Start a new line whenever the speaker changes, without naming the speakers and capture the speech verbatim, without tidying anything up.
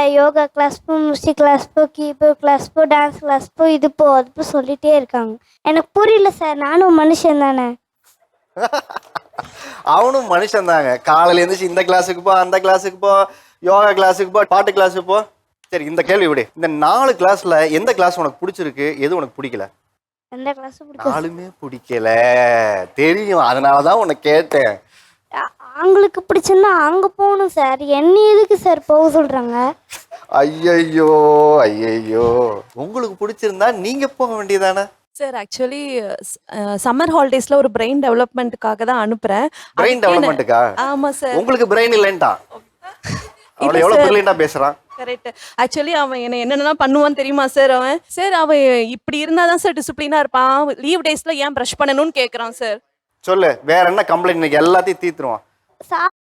Yoga class போ, music class போ, keyboard class போ, டான்ஸ் கிளாஸ் போ, இது போ அது போ சொல்லிட்டே இருக்காங்க. எனக்கு புரியல சார், நானும் மனுஷன் தானே.
அவனும் மனுஷன் தாங்க. காலையில எழுந்துச்சு இந்த கிளாஸுக்கு போ, அந்த கிளாஸுக்கு போ, யோகா கிளாஸுக்கு போ, பாட்டு கிளாஸுக்கு போ. சரி, இந்த கேள்வி விடு. இந்த நாலு கிளாஸ்ல எந்த கிளாஸ் உனக்கு பிடிச்சிருக்கு, எது உனக்கு பிடிக்கல?
எந்த கிளாஸ் பிடிக்கும்?
நாலுமே பிடிக்கல தெரியும், அதனாலதான் உன்னை கேட்டேன்.
அவங்களுக்கு பிடிச்சிருந்தா அங்க போகணும் சார், என்ன எதுக்கு சார் போக சொல்றாங்க?
ஐயையோ ஐயையோ, உங்களுக்கு பிடிச்சிருந்தா நீங்க போக வேண்டியதானே?
சார் ஆக்சுவலி சம்மர் ஹாலிடேஸ்ல ஒரு பிரெயின் டெவலப்மெண்ட்டுக்காக தான் அனுப்புறேன்.
பிரெயின் டெவலப்மெண்ட்டுக்கா?
ஆமா சார்.
உங்களுக்கு பிரெயின் இல்லைன்டா? அவளை எவ்வளவு பிரில்லியண்டா பேசுறான்.
கரெக்ட். ஆக்சுவலி அவன் என்ன என்னென்னலாம் பண்ணுவான்னு தெரியுமா சார்? அவன் சார் அவன் இப்படி இருந்தாதான் சார் டிசிப்ளினா இருப்பான். லீவ் டேஸ்ல ஏன் ப்ரஷ் பண்ணணும்னு கேட்கறான் சார்.
சொல்லு, வேற என்ன கம்ப்ளைண்ட்? இன்னைக்கு எல்லாத்தையும் தீர்த்துருவான்.